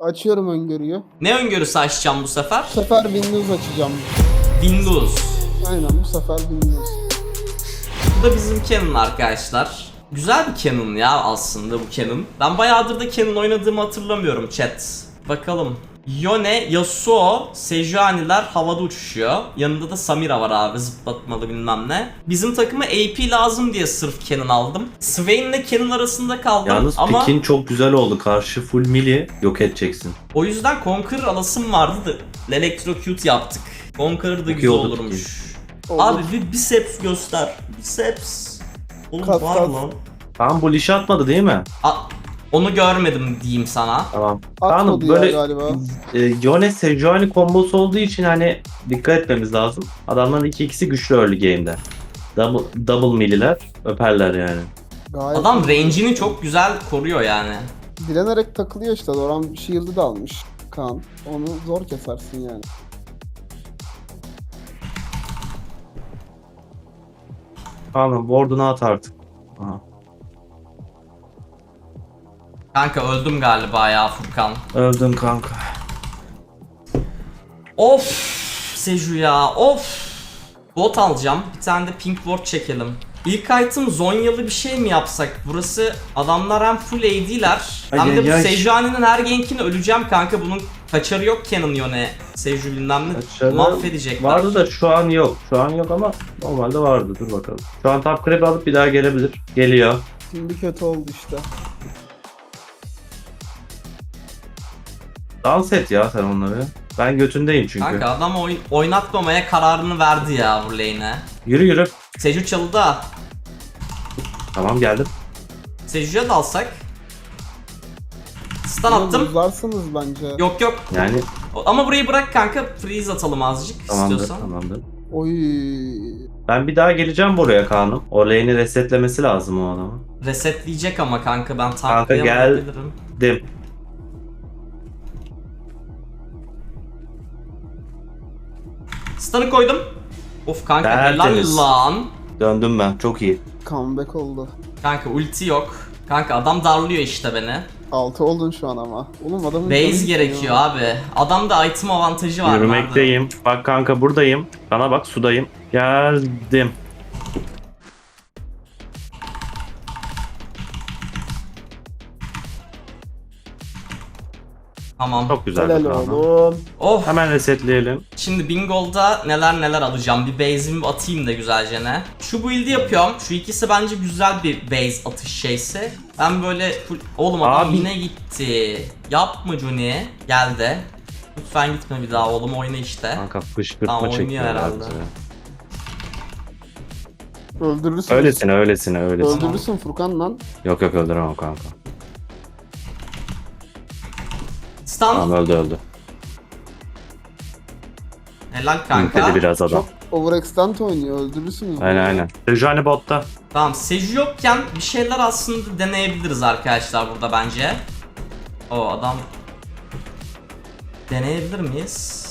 Açıyorum öngörüyü. Ne öngörüsü açacağım bu sefer? Bu sefer Windows açacağım. Windows. Aynen bu sefer Windows. Bu da bizim Canon arkadaşlar. Güzel bir Canon ya aslında bu Canon. Ben bayağıdır da Canon oynadığımı hatırlamıyorum chat. Bakalım. Yone, Yasuo, Sejuani'ler havada uçuşuyor. Yanında da Samira var abi, zıplatmalı bilmem ne. Bizim takıma AP lazım diye sırf Canon aldım. Swain ile Canon arasında kaldım Yalnız ama pikin çok güzel oldu. Karşı full melee yok edeceksin. o yüzden Conqueror alasım vardı da Electrocute yaptık. Conqueror da güzel iyi oldu olurmuş. Olur. Abi bir biceps göster. Biceps. Oğlum Kas, var kas. lan. Tamam bu lişi atmadı değil mi? Onu görmedim diyeyim sana. Tamam. Atmadı Tamam ya böyle galiba. Yone Sejuani kombosu olduğu için hani dikkat etmemiz lazım. Adamların ikisi güçlü early game'de. Double milliler öperler yani. Gayet Adam range'ini çok güzel koruyor yani. dilenerek takılıyor işte. Doran shield'ı da almış Kaan. Onu zor kesersin yani. Tamam ward'unu at artık. Aha. Kanka öldüm galiba ya Furkan. Öldün kanka. Of Seju ya of. Bot alacağım. Bir tane de pink ward çekelim. İlk item Zonyalı bir şey mi yapsak? Burası adamlar hem full AD'ler hem de bu Sejuani'nin her gankini öleceğim kanka. Bunun kaçarı yok Canon Yone. Seju bilmem ne Kaçarı mahvedecekler. Vardı da şu an yok. Şu an yok ama normalde vardı. Dur bakalım. Şu an top creep alıp bir daha gelebilir. Geliyor. Şimdi kötü oldu işte. Dans et ya sen onları. Ben götündeyim çünkü. Kanka adam oynatmamaya kararını verdi ya bu lane'e. Yürü yürü. Seju çalıda. da. Tamam geldim. Seju'ya dalsak. Stun attım. Uzarsınız bence. Yok yok. Yani Ama burayı bırak kanka. Freeze atalım azıcık tamamdır istiyorsan. tamamdır. Oy. Ben bir daha geleceğim buraya Kaan'ım. O lane'i resetlemesi lazım o adamı. Resetleyecek ama kanka ben Kanka tanklayamayabilirim. Dim. Stun'ı koydum. Of kanka Tertemiz. helal lan. Döndüm ben. Çok iyi. Comeback oldu. Kanka ulti yok. Kanka adam darlıyor işte beni. 6 oldun şu an ama. Oğlum adamın Base canı gerekiyor gidiyor. abi. Adamda item avantajı var. Yürümekteyim. Bak kanka buradayım. Bana bak sudayım. Geldim. Tamam. Çok güzel Helal bir Kaan'ım. oğlum. Oh. Hemen resetleyelim. Şimdi Bingol'da neler alacağım. Bir base'imi atayım da güzelce ne. Şu build'i yapıyorum. Şu ikisi bence güzel bir base atış şeysi. Ben böyle oğlum adam Abi. yine gitti. Yapma Johnny. Geldi. Lütfen gitme bir daha oğlum, oyna işte. Kanka fışkırtma Tamam, oynuyor çekiyorlar herhalde. bize. Öldürürsün. Öylesine. Öldürürsün Furkan lan. Yok öldüremem kanka. Stun. Tamam öldü. Helal kanka. İntedi biraz adam. Çok overextend oynuyor. Öldürürsünüz. Aynen. Sejuani botta. Tamam, Seju yokken bir şeyler aslında deneyebiliriz arkadaşlar burada bence. O adam. Deneyebilir miyiz?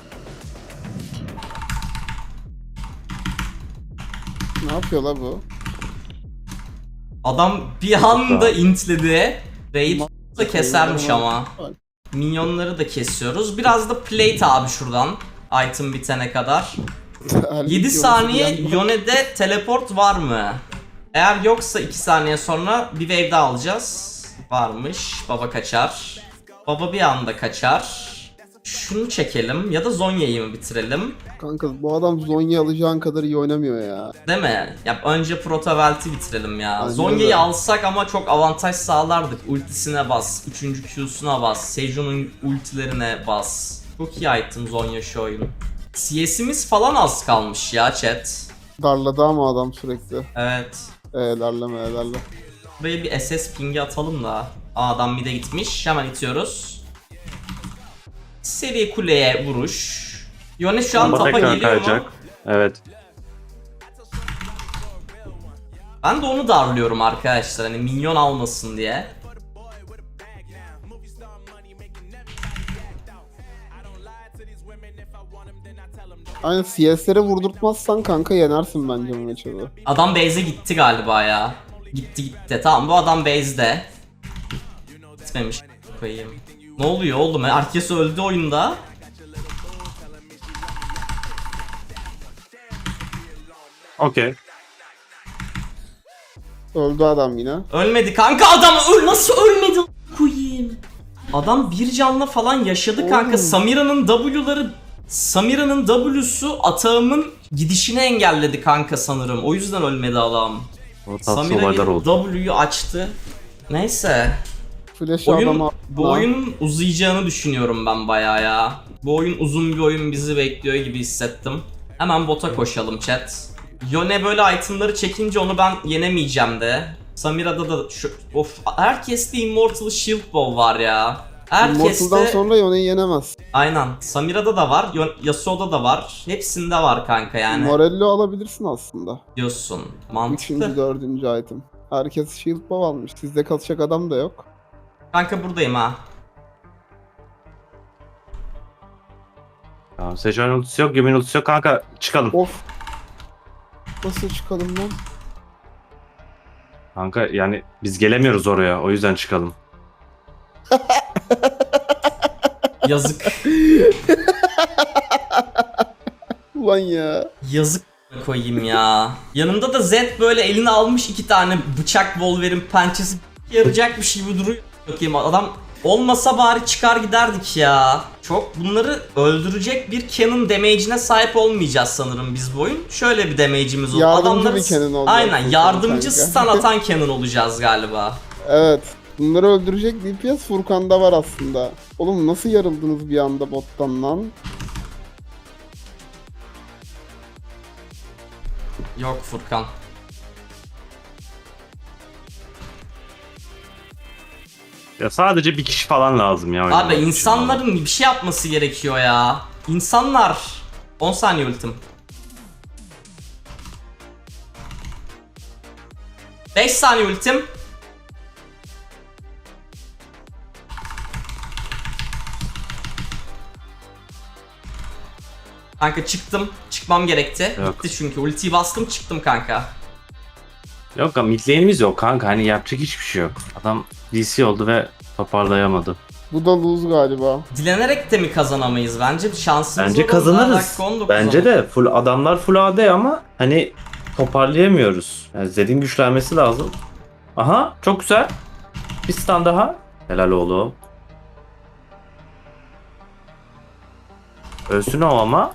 Ne yapıyor la bu? Adam bir anda intledi. Raid da kesermiş Tamam. ama. Minyonları da kesiyoruz. Biraz da plate abi şuradan. Item bitene kadar. 7 saniye Yone'de teleport var mı? Eğer yoksa 2 saniye sonra bir wave daha alacağız. Varmış. Baba kaçar. Baba bir anda kaçar. Şunu çekelim ya da Zonya'yı mı bitirelim? Kanka bu adam Zonya alacağın kadar iyi oynamıyor ya. Değil mi? Ya önce Protovelt'i bitirelim ya. Aynen Zonya'yı öyle. alsak ama çok avantaj sağlardık. Ultisine bas, 3. Q'suna bas, Seju'nun ultilerine bas. Çok iyi item Zonya şu oyun. CS'imiz falan az kalmış ya chat. Darladı ama adam sürekli. Evet. Darlama. Buraya bir SS ping'i atalım da. Adam mid'e gitmiş. Hemen itiyoruz. Seri kuleye vuruş. Yone şu an Ama tapa tekrar geliyor mu? kayacak. Evet. Ben de onu darlıyorum arkadaşlar, hani minyon almasın diye. Aynen CS'lere vurdurtmazsan kanka yenersin bence bu maçı da. Adam base'e gitti galiba ya. Gitti. Tamam, bu adam base'de. Gitmemiş koyayım. Ne oluyor oğlum? Herkes öldü oyunda. Okey. Öldü adam yine. Ölmedi kanka, adam nasıl ölmedi koyayım. Adam bir canla falan yaşadı kanka. Oğlum. Samira'nın W'su atağımın gidişini engelledi kanka sanırım. O yüzden ölmedi adam. O tatsız Samira olaylar oldu. W'yu açtı. Neyse. Flash Oyun, adama. bu oyunun uzayacağını düşünüyorum ben bayağı ya. Bu oyun uzun bir oyun bizi bekliyor gibi hissettim. Hemen bota koşalım chat. Yone böyle itemları çekince onu ben yenemeyeceğim de. Samira'da da herkeste Immortal Shield Bow var ya. Immortal'dan Herkeste sonra Yone'yi yenemez. aynen. Samira'da da var, Yasuo'da da var. Hepsinde var kanka yani. Morello alabilirsin aslında. Diyorsun. 3. Mantıklı. 4. item. Herkes shield bow almış. Sizde kalacak adam da yok. Kanka buradayım ha. Tamam, Sejuani ultisi yok, Yumi'nin ultisi yok. Kanka çıkalım. Of. Nasıl çıkalım lan? Kanka yani biz gelemiyoruz oraya. O yüzden çıkalım. Yazık. Ulan ya. Yazık koyayım ya. Yanımda da Zed böyle eline almış 2 tane bıçak Wolverine pençesi yarayacakmış gibi duruyor. Bakayım adam olmasa bari çıkar giderdik ya. Çok bunları öldürecek bir cannon damage'ine sahip olmayacağız sanırım biz bu oyun. Şöyle bir damage'imiz olur. Yardımcı bir cannon olacak aynen bu yardımcı kanka. stun atan cannon olacağız galiba. Evet. Bunları öldürecek DPS Furkan'da var aslında. Oğlum nasıl yarıldınız bir anda bottan lan? Yok Furkan. Ya sadece bir kişi falan lazım ya. oynamak Abi için. insanların bir şey yapması gerekiyor ya. İnsanlar. 10 saniye ultim. 5 saniye ultim. Kanka çıktım. Çıkmam gerekti. Yok. Bitti çünkü. Ultiyi bastım çıktım kanka. Yok mid lane'imiz yok kanka. Hani yapacak hiçbir şey yok. Adam DC oldu ve toparlayamadı. Bu da lose galiba. Dilenerek de mi kazanamayız? Bence şansımız Bence olur. kazanırız. Dakika 19 Bence ama. de full adamlar full AD ama hani toparlayamıyoruz. Yani Zed'in güçlenmesi lazım. Aha çok güzel. Bir stun daha. Helal oğlum. Ölsün o ama.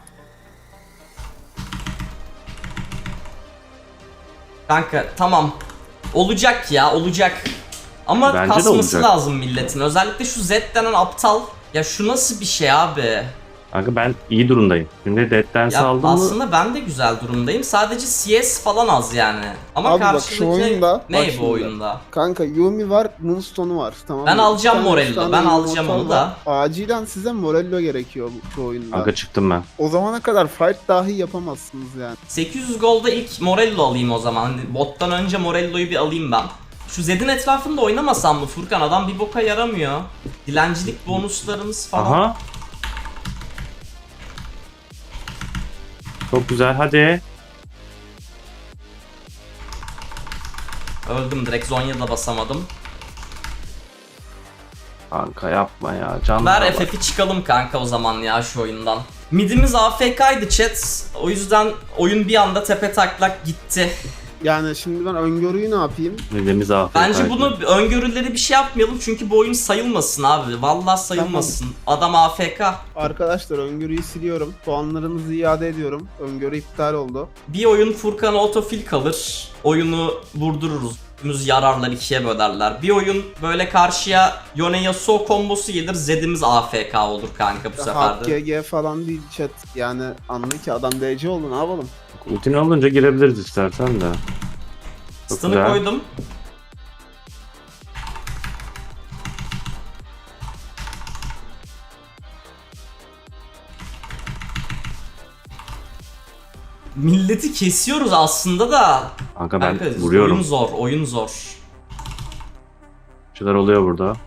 Kanka tamam. Olacak ya olacak. Ama Bence de kasması olacak. lazım milletin. Özellikle şu Z denen aptal. Ya şu nasıl bir şey abi? Kanka ben iyi durumdayım. Şimdi Dead'den Ya saldım mı? aslında ben de güzel durumdayım. Sadece CS falan az yani. Ama Abi bak şu karşıdaki oyunda, ne bak bu şimdi. oyunda? Kanka Yumi var, Moonstone'u var. Tamam Ben mı? alacağım Bir tane, Morello, üç tane ben alacağım Immortal onu da. var. Acilen size Morello gerekiyor bu oyunda. Kanka çıktım ben. O zamana kadar fight dahi yapamazsınız yani. 800 golda ilk Morello alayım o zaman. Hani bottan önce Morello'yu bir alayım ben. Şu Zed'in etrafında oynamasam mı Furkan? Adam bir boka yaramıyor. Dilencilik bonuslarımız falan. Aha. Çok güzel hadi. Öldüm direkt, Zonya'da basamadım. Kanka yapma ya. Canlı Ver bak. FF'i çıkalım kanka o zaman ya şu oyundan. Midimiz AFK'ydı chat. O yüzden oyun bir anda tepe taklak gitti. Yani şimdi ben öngörüyü ne yapayım? Midemiz afiyet. Bence bunu öngörüleri bir şey yapmayalım çünkü bu oyun sayılmasın abi. Vallahi sayılmasın. Adam AFK. Arkadaşlar öngörüyü siliyorum. Puanlarınızı iade ediyorum. Öngörü iptal oldu. Bir oyun Furkan'a otofil kalır. Oyunu vurdururuz. Zed'imiz yararlar, ikiye bölerler. Bir oyun böyle karşıya Yone Yasuo kombosu gelir. Zed'imiz AFK olur kanka bu sefer Halk de. GG falan değil chat. Yani anla ki adam DC oldu, ne yapalım? Ultin olunca girebiliriz istersen de. Çok Stun'ı güzel. koydum. Milleti kesiyoruz aslında da. Kanka ben Kanka, vuruyorum. oyun zor, oyun zor. Şeyler oluyor burada.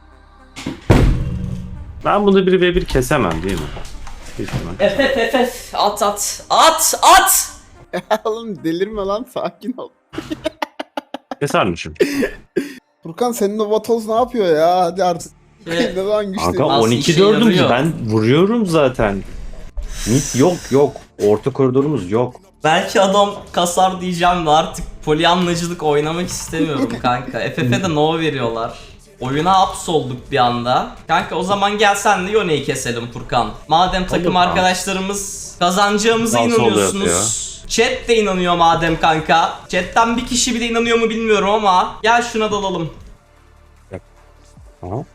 Ben bunu 1v1 kesemem değil mi? Büyük ihtimal. FF at at at at. Oğlum delirme lan, sakin ol. Kesermişim. Furkan senin o vatoz ne yapıyor ya? Hadi artık. Ne zaman güçlü. Kanka Nasıl 12 işe 4'üm yarıyor? ben vuruyorum zaten. Mid yok. Orta koridorumuz yok. Belki adam kasar diyeceğim de artık polyanlacılık oynamak istemiyorum kanka. FF'de no veriyorlar. Oyuna hapsolduk bir anda. Kanka o zaman gel sen de Yone'yi keselim Furkan. Madem takım kanka. arkadaşlarımız kazanacağımıza Sağ sol inanıyorsunuz. Chat de inanıyor madem kanka. Chat'ten bir kişi bile inanıyor mu bilmiyorum ama gel şuna dalalım. Aha.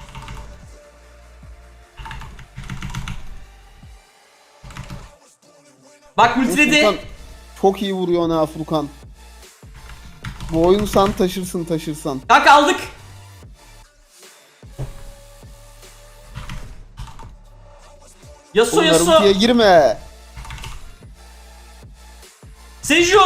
Bak ultiledi. Furkan çok iyi vuruyor ha Furkan. Bu oyunu sen taşırsan. Kanka aldık. Yasuo Oğlum Yasuo. Naruto'ya girme. Seju.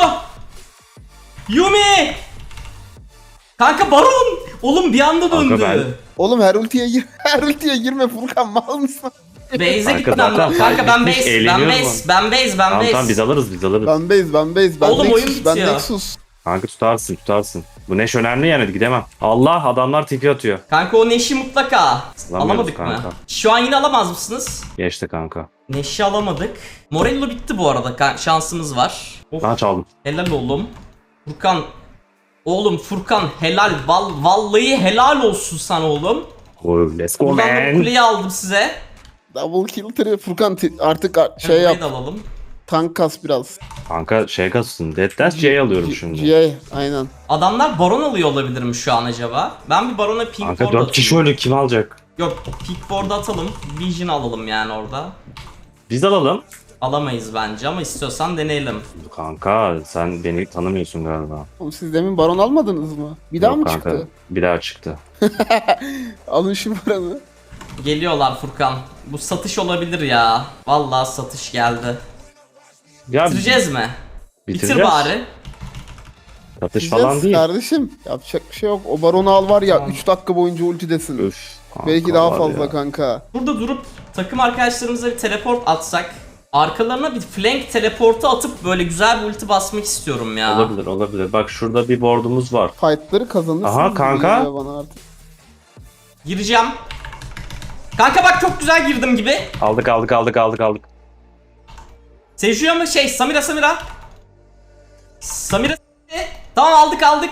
Yumi. Kanka Baron. Oğlum bir anda Kanka döndü. Oğlum her ultiye girme Furkan, mal mısın? Base'e Kanka gitmem zaten lazım. Kanka ben gitmiş, base, eğleniyorum ben base. Tamam biz alırız. Ben base. Ben Oğlum, oyun Nexus. Ben bitiyor. Nexus. Kanka tutarsın. Bu Neş önemli yani gidemem. Allah adamlar tipi atıyor. Kanka o Neş'i mutlaka. Alamıyoruz Alamadık kanka. mı? Şu an yine alamaz mısınız? Geçti kanka. Neş'i alamadık. Morello bitti bu arada. Şansımız var. Of, Ben çaldım. helal oğlum. Furkan. Oğlum Furkan helal. Vallahi helal olsun sana oğlum. Oh, let's go Buradan da bu man. kuleyi aldım size. Double kill trio. Furkan artık şey Burayı yap. da alalım. Tank kas biraz. Kanka şey kasın. Dead Dance C'yi alıyorum şimdi. GA aynen. Adamlar baron alıyor olabilir mi şu an acaba? Ben bir barona pink Kanka ward 4 atayım. kişi öyle kim alacak? Yok pink ward atalım. Vision alalım yani orada. Biz alalım. Alamayız bence ama istiyorsan deneyelim. Kanka sen beni tanımıyorsun galiba. Oğlum siz demin baron almadınız mı? Bir daha Yok mı kanka, çıktı? Bir daha çıktı. Alın şu baron'u. Geliyorlar Furkan. Bu satış olabilir ya. Vallahi satış geldi. Ya Bitireceğiz mi? bitireceğiz. Bitir bari. Satış falan değil. Kardeşim yapacak bir şey yok. O baronu al var ya 3 dakika boyunca ultidesin. Üf. kanka Belki daha var fazla ya. kanka. Burada durup takım arkadaşlarımıza bir teleport atsak. Arkalarına bir flank teleportu atıp böyle güzel bir ulti basmak istiyorum ya. Olabilir. Bak şurada bir board'umuz var. Fight'ları kazanırsınız. Aha, gibi kanka. geliyor bana artık. Gireceğim. Kanka bak çok güzel girdim gibi. Aldık. Seju'ya mı şey Samira. Samira. Tamam aldık.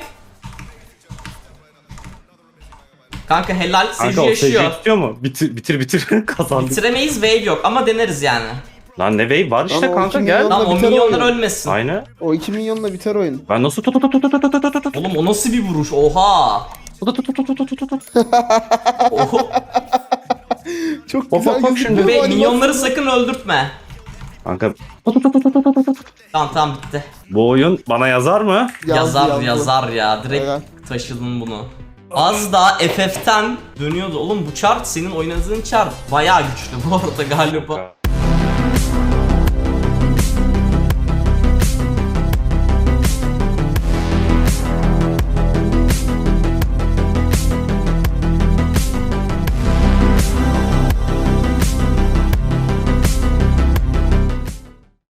Kanka helal Kanka Seju o yaşıyor. Seju'yu tutuyor mu? Bitir. Kazandık. Bitiremeyiz wave yok ama deneriz yani. Lan ne wave var işte Lan o kanka iki gel. milyon- Tamam o biter milyonlar oyun. ölmesin. Aynı. O 2 milyonla biter oyun. Ben nasıl Oğlum o nasıl bir vuruş? Oha. Oho. Çok Bak, güzel bak gözüküyor şimdi. bu Ve animasyon. minyonları sakın öldürtme. Kanka Tamam bitti. bu oyun bana yazar mı? Yazdı. Yazar ya. Direkt Evet. taşıdın bunu. Az daha FF'ten dönüyordu. Oğlum bu chart senin oynadığın chart bayağı güçlü bu arada galiba.